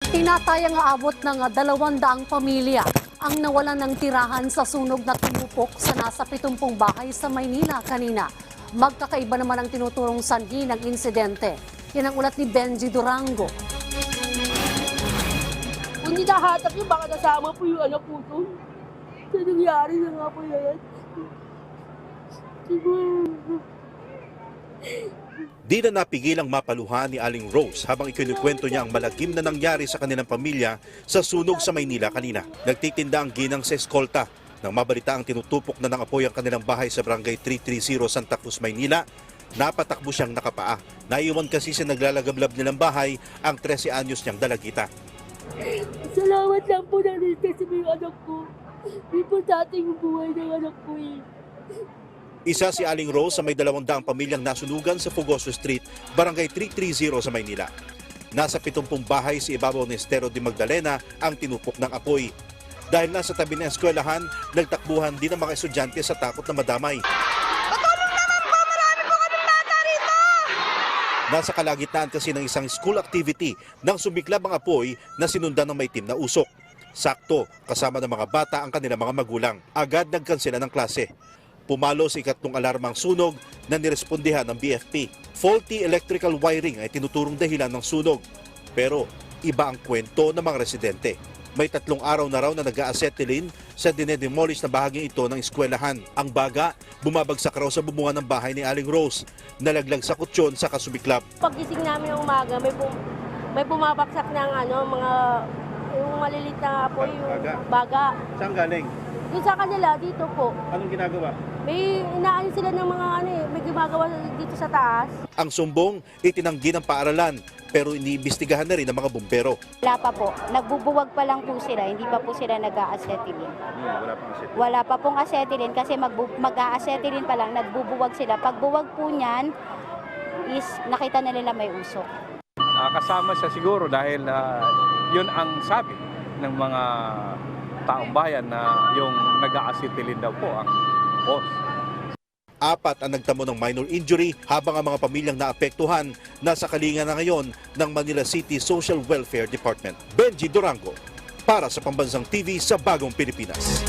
Tinatayang aabot ng 200 pamilya ang nawalan ng tirahan sa sunog na tumupok sa nasa 70 bahay sa Maynila kanina. Magkakaiba naman ang tinuturong sanhi ng insidente. Yan ang ulat ni Benji Durango. Kung hindi nakahatak yun, baka nasama po yung anak po ito. Sa nangyari na nga po yan. Siguro. Di na napigilang mapaluhan ni Aling Rose habang ikinukwento niya ang malagim na nangyari sa kanilang pamilya sa sunog sa Maynila kanina. Nagtitinda ang ginang sa eskolta nang mabalita ang tinutupok na ng apoy ang kanilang bahay sa barangay 330 Santa Cruz, Maynila. Napatakbo siyang nakapaa. Naiwan kasi sa naglalagablab nilang bahay ang 13 anyos niyang dalagita. Salamat lang po na kasi may anak ko. Hindi po sa ating buhay ng anak ko eh. Isa si Aling Rose sa may 200 pamilyang nasunugan sa Fugoso Street, barangay 330 sa Maynila. Nasa 70 bahay sa ibabaw ng Estero de Magdalena ang tinupok ng apoy. Dahil nasa tabi ng eskwelahan, nagtakbuhan din ang mga estudyante sa takot na madamay. Patulong naman po! Marami po kaming bata rito! Nasa kalagitnaan kasi ng isang school activity nang sumiklab ang apoy na sinundan ng maitim na usok. Sakto, kasama ng mga bata ang kanilang mga magulang. Agad nagkansela ng klase. Pumalo sa ikatlong alarmang sunog na nirespondihan ng BFP. Faulty electrical wiring ay tinuturong dahilan ng sunog. Pero iba ang kwento ng mga residente. May 3 araw na raw na nag-a-acetylene sa dinedemolish na bahaging ito ng eskwelahan. Ang baga, bumabagsak raw sa bubungan ng bahay ni Aling Rose. Nalaglag sa kutsyon sa kasubiklab. Pagising namin ng umaga, may bumabaksak ng mga yung malilit na apoy, yung baga. Saan galing? Doon sa kanila, dito po. Anong ginagawa? May inaanin sila ng mga may gumagawa dito sa taas. Ang sumbong, itinanggi ng paaralan pero iniimbestigahan na rin ng mga bumbero. Wala pa po. Nagbubuwag pa lang po sila. Hindi pa po sila nag-a-acetylene. Wala pang acetylene. Wala pa pong acetylene kasi mag-a-acetylene pa lang. Nagbubuwag sila. Pag buwag po niyan is nakita na nila may usok. Kasama siya siguro dahil yun ang sabi ng mga taong bayan na yung nag-a-acetylene daw po ang cause. 4 ang nagtamo ng minor injury habang ang mga pamilyang naapektuhan nasa kalinga na ngayon ng Manila City Social Welfare Department. Benji Durango para sa Pambansang TV sa Bagong Pilipinas.